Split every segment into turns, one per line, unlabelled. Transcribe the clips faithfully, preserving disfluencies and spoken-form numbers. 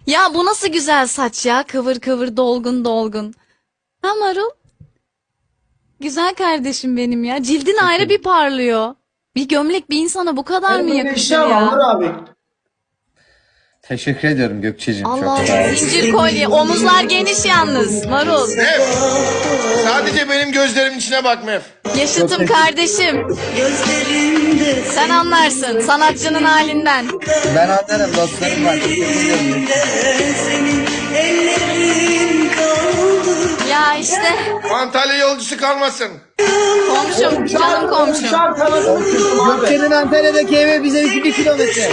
Ya bu nasıl güzel saç ya? Kıvır kıvır, dolgun dolgun. Ha Marul? Güzel kardeşim benim ya. Cildin ayrı bir parlıyor. Bir gömlek bir insana bu kadar mı
Hani böyle
yakışır
işe ama
ya?
Onur abi.
Teşekkür ediyorum Gökçe'cim. Çok
Allah
sağ ol.
zincir kolye. Omuzlar geniş yalnız. Marul.
Mef. Sadece benim gözlerimin içine bak Mef.
Yaşıtım kardeşim. Sen anlarsın sanatçının halinden.
Ben anlarım, dostlarım var. Teşekkür ediyorum.
Ya işte
Antalya yolcusu kalmasın.
komşum, canım komşum.
Uçar kanadını kırdım abi.
Gökçe'nin Antalya'daki evi bize iki kilometre.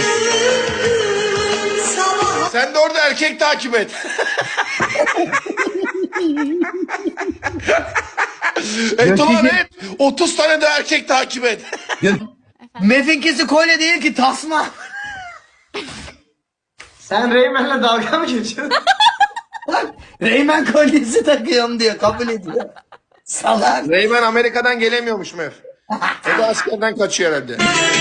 Sen de orada erkek takip et. et ulan et. otuz tane de erkek takip et.
Mef'inkisi kolye değil ki, tasma.
Sen Reymen'le dalga mı geçiyorsun?
Reymen kolyesi takıyorum diyor, kabul ediyor. Salak.
Reymen Amerika'dan gelemiyormuş Mef. O da askerden kaçıyor herhalde.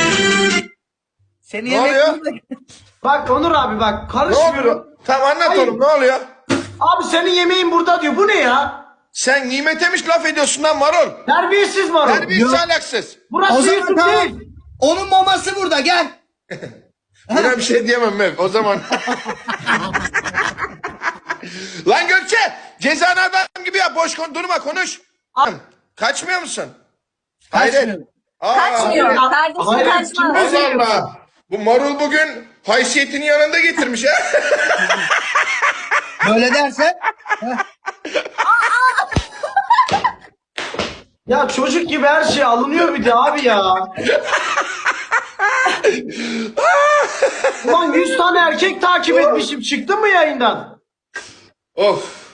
Seni
Ne
yemek
oluyor?
Bak Onur abi bak
Ne
karışmıyor.
oluyor? Tamam anlat
Hayır.
oğlum, ne oluyor?
Abi senin yemeğin burada diyor. Bu ne ya?
Sen nimetemiş laf ediyorsun lan marul.
Terbiyesiz var o.
Terbiyesiz alaksız.
Burası
O zaman
YouTube
tamam.
değil.
Onun maması burada, gel.
Buna bir şey diyemem Mef o zaman. Lan Gökçe cezanı adam gibi yap, boş kon durma konuş. Kaçmıyor musun? Hayret.
Kaçmıyorum.
Aa,
Kaçmıyor.
hayret.
Kardeşim
Hayır,
kaçmaz.
Allah Allah. Bu marul bugün haysiyetini yanında getirmiş ha.
Böyle dersen.
Ya çocuk gibi her şey alınıyor bir de abi ya. Ulan yüz tane erkek takip etmişim. Çıktı mı yayından?
Of.